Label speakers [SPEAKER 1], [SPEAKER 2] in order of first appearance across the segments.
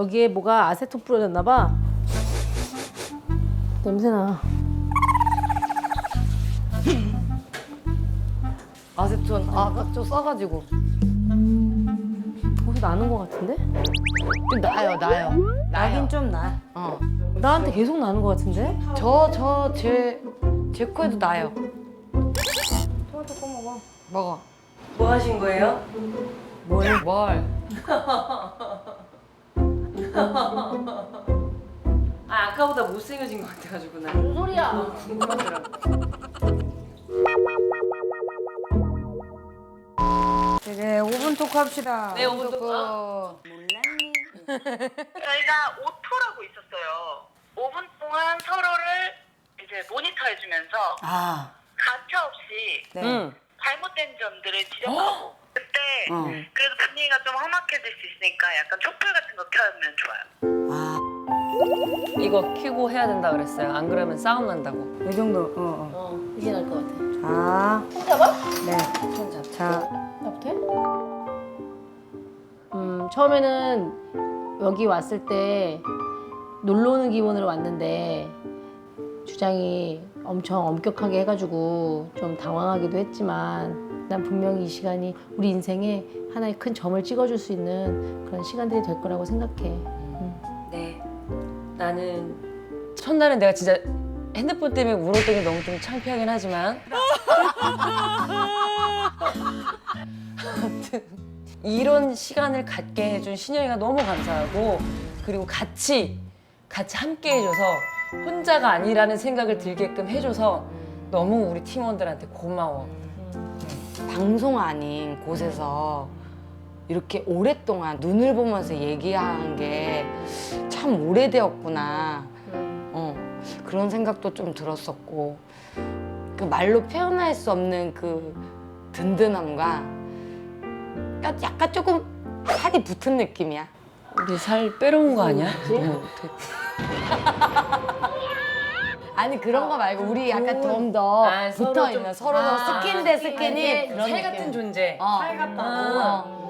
[SPEAKER 1] 여기에 뭐가 아세톤 뿌려졌나 봐. 냄새나.
[SPEAKER 2] 아세톤 아까 좀 써가지고
[SPEAKER 1] 거기서 나는 것 같은데?
[SPEAKER 2] 좀 나요.
[SPEAKER 3] 나긴 좀 나.
[SPEAKER 1] 나한테 계속 나는 것 같은데?
[SPEAKER 2] 제 코에도 나요.
[SPEAKER 1] 토마토 꺼 먹어.
[SPEAKER 2] 먹어.
[SPEAKER 3] 뭐 하신 거예요?
[SPEAKER 2] 뭘?
[SPEAKER 3] 아, 아까보다 못생겨진 것 같아가지고 나.
[SPEAKER 1] 무슨 소리야?
[SPEAKER 3] 이제 5분 토크 합시다.
[SPEAKER 1] 네, 오늘 또
[SPEAKER 4] 저희가 오토라고 있었어요. 5분 동안 서로를 이제 모니터해주면서
[SPEAKER 3] 아,
[SPEAKER 4] 가차 없이
[SPEAKER 3] 네.
[SPEAKER 4] 잘못된 점들을 지적하고 그때 그래도 분위기가 좀 험악해질 수 있으니까 약간 촛불 같은 거 켜면 좋아요.
[SPEAKER 3] 아,
[SPEAKER 5] 이거 켜고 해야 된다 그랬어요. 안 그러면 싸움 난다고.
[SPEAKER 3] 이 정도.
[SPEAKER 1] 이게 나을 것 같아.
[SPEAKER 3] 자,
[SPEAKER 1] 손 잡아?
[SPEAKER 3] 네.
[SPEAKER 1] 손 잡.
[SPEAKER 3] 자,
[SPEAKER 1] 나부터 해? 처음에는 여기 왔을 때 놀러 오는 기분으로 왔는데 주장이 엄청 엄격하게 해가지고 좀 당황하기도 했지만 난 분명히 이 시간이 우리 인생에 하나의 큰 점을 찍어줄 수 있는 그런 시간들이 될 거라고 생각해.
[SPEAKER 5] 네. 나는 첫날은 내가 진짜 핸드폰 때문에 울었던 게 너무 좀 창피하긴 하지만 아무튼 이런 시간을 갖게 해준 신영이가 너무 감사하고 그리고 같이 함께 해줘서 혼자가 아니라는 생각을 들게끔 해줘서 너무 우리 팀원들한테 고마워.
[SPEAKER 2] 방송 아닌 곳에서 이렇게 오랫동안 눈을 보면서 얘기한 게 참 오래되었구나. 그런 생각도 좀 들었었고 그 말로 표현할 수 없는 그 든든함과 약간 조금 살이 붙은 느낌이야.
[SPEAKER 5] 우리 살 빼러온 거 아니야?
[SPEAKER 2] 아니 그런 거 말고 우리 약간 좀 더 붙어 있는 서로 스킨 대 스킨이 그런
[SPEAKER 5] 살 같은 존재.
[SPEAKER 2] 살
[SPEAKER 3] 같다고.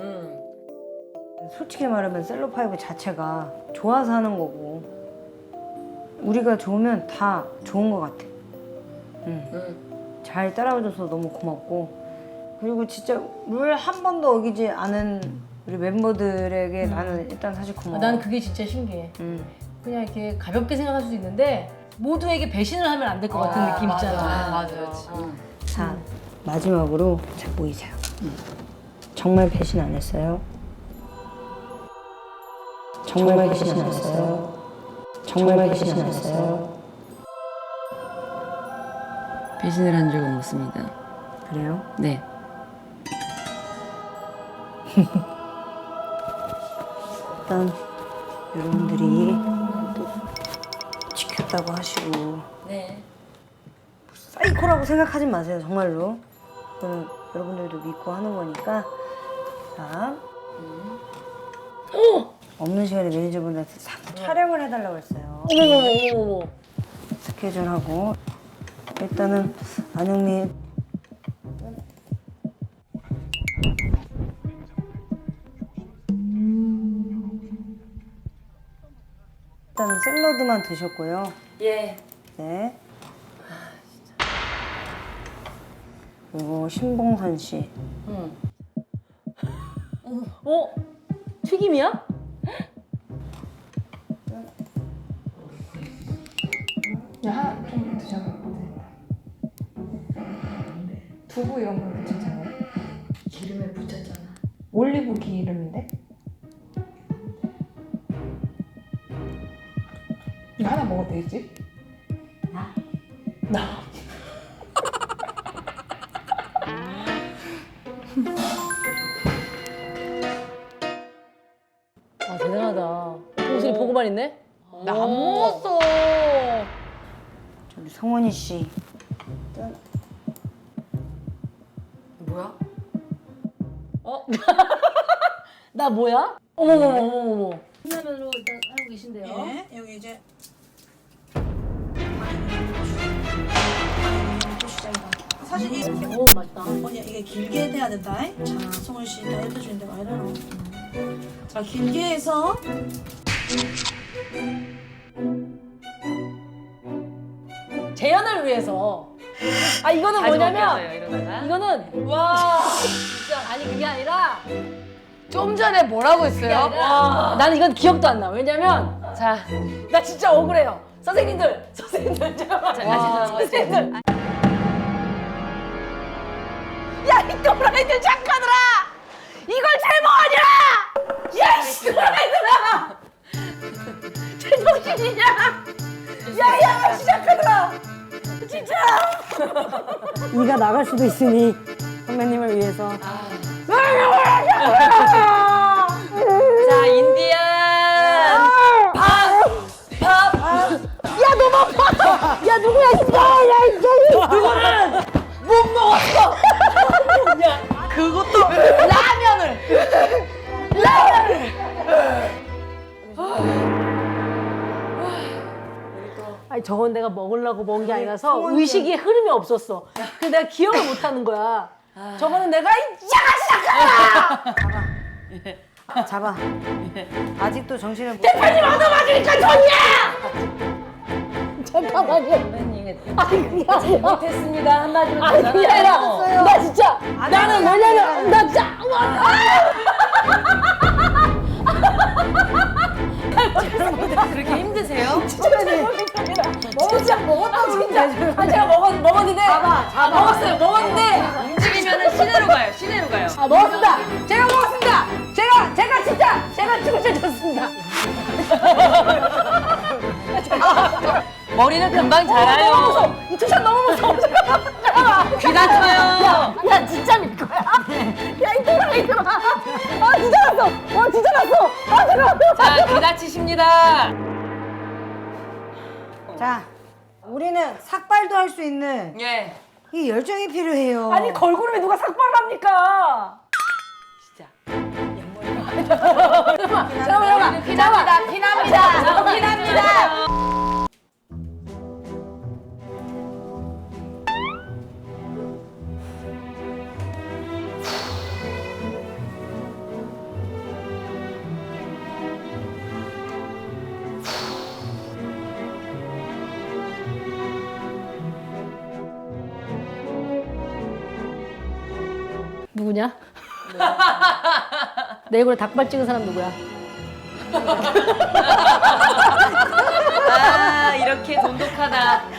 [SPEAKER 3] 솔직히 말하면 셀럽파이브 자체가 좋아서 하는 거고 우리가 좋으면 다 좋은 것 같아. 잘 따라와줘서 너무 고맙고 그리고 진짜 룰 한 번도 어기지 않은 우리 멤버들에게 나는 일단 사실 고마워.
[SPEAKER 1] 난 그게 진짜 신기해. 그냥 이렇게 가볍게 생각할 수도 있는데 모두에게 배신을 하면 안 될 것 같은 느낌 있잖아.
[SPEAKER 2] 맞아.
[SPEAKER 3] 자, 마지막으로 자 보이세요. 정말 배신 안 했어요. 정말 배신 안 했어요. 정말 배신 안 했어요.
[SPEAKER 5] 배신을 한 적은 없습니다.
[SPEAKER 3] 그래요?
[SPEAKER 5] 네.
[SPEAKER 3] 일단 여러분들이 또 지켰다고 하시고
[SPEAKER 5] 네.
[SPEAKER 3] 사이코라고 생각하지 마세요. 정말로. 그거는 여러분들도 믿고 하는 거니까. 자. 없는 시간에 매니저분들한테 자꾸 촬영을 해달라고 했어요.
[SPEAKER 1] 어머머머머머.
[SPEAKER 3] 스케줄하고 일단은 안영님 일단은 샐러드만 드셨고요.
[SPEAKER 5] 예.
[SPEAKER 3] 네. 그리고 신봉선 씨.
[SPEAKER 1] 튀김이야?
[SPEAKER 6] 두부 이런 건 괜찮잖아요? 기름에 묻혔잖아. 올리브 기름인데? 이거 하나 먹어도 되겠지? 나?
[SPEAKER 1] 아 대단하다. 봉순이 보고만 있네?
[SPEAKER 2] 나 안 먹었어.
[SPEAKER 3] 우리 성원이 씨.
[SPEAKER 2] 뭐야?
[SPEAKER 1] 나 뭐야? 어머머머머머. 신라면으로 일단 하고 계신데요.
[SPEAKER 7] 예, 여기 이제 사실 이
[SPEAKER 1] 오 맛있다.
[SPEAKER 7] 언니 이게 길게 돼야 된다. 자, 성훈 씨 다 해주는데 와 이러노.
[SPEAKER 3] 자, 길게 해서.
[SPEAKER 1] 재현을 위해서. 아 이거는
[SPEAKER 5] 다시
[SPEAKER 1] 뭐냐면
[SPEAKER 5] 벗겨져요, 이러다가.
[SPEAKER 1] 이거는
[SPEAKER 5] 와.
[SPEAKER 1] 아니 그게 아니라
[SPEAKER 2] 좀 전에 뭐라고 했어요?
[SPEAKER 1] 나는 이건 기억도 안 나. 왜냐면
[SPEAKER 5] 자,
[SPEAKER 1] 나 진짜 억울해요. 선생님들 잠깐만.
[SPEAKER 5] 자, 다시 한번
[SPEAKER 1] 선생님들. 야, 이 또라이들 착하더라. 이걸 제목 아니야. 야, 이 또라이들아. 제정신이냐? 야야, 시작하더라. 진짜.
[SPEAKER 3] 이가 나갈 수도 있으니 선배님을 위해서.
[SPEAKER 5] 자, 인디안.
[SPEAKER 1] 야, 너무 아파. 야, 누구야? 야, 이 누구는 못 먹었어.
[SPEAKER 2] 그것도 라면을.
[SPEAKER 1] 아니 저건 내가 먹으려고 먹은 게 아니라서 의식의 흐름이 없었어. 그래서 내가 기억을 못 하는 거야. 저거는 내가
[SPEAKER 3] 잡아. 아직도 정신을 못.
[SPEAKER 1] 대표님 얻어맞으니까 좋냐? 잠깐만요. 아니 그게 아니라
[SPEAKER 5] 못했습니다. 한마디로
[SPEAKER 1] 아니 그게 아니라 나 진짜 나는 뭐냐면 나 진짜
[SPEAKER 5] 그렇게 힘드세요?
[SPEAKER 1] 진짜 먹었다고 진짜 아 제가 먹었는데 먹었는데
[SPEAKER 5] 움직이면은 시내로 가요. 시내로 가요.
[SPEAKER 1] 아 먹었습니다. 제가 먹었습니다. 제가 진짜 제가 죽을 줬습니다.
[SPEAKER 5] 머리는 금방
[SPEAKER 1] 너무
[SPEAKER 5] 자라요.
[SPEAKER 1] 무서워. 이 투샷 너무 무서워. 잠깐만.
[SPEAKER 5] 귀 다쳐요.
[SPEAKER 1] 야 진짜 믿 거야. 야 이 또라이들아. 아 진짜 났어. 와 진짜 났어. 아 잠깐만.
[SPEAKER 5] 자, 귀 다치십니다.
[SPEAKER 3] 자, 우리는 삭발도 할 수 있는
[SPEAKER 5] 예.
[SPEAKER 3] 이 열정이 필요해요.
[SPEAKER 1] 아니 걸그룹에 누가 삭발을 합니까?
[SPEAKER 5] 진짜.
[SPEAKER 1] 잠깐만.
[SPEAKER 2] 피납니다. 피납니다. 피납니다.
[SPEAKER 1] 누구냐? 내 얼굴에 닭발 찍은 사람 누구야?
[SPEAKER 5] 아, 이렇게 돈독하다.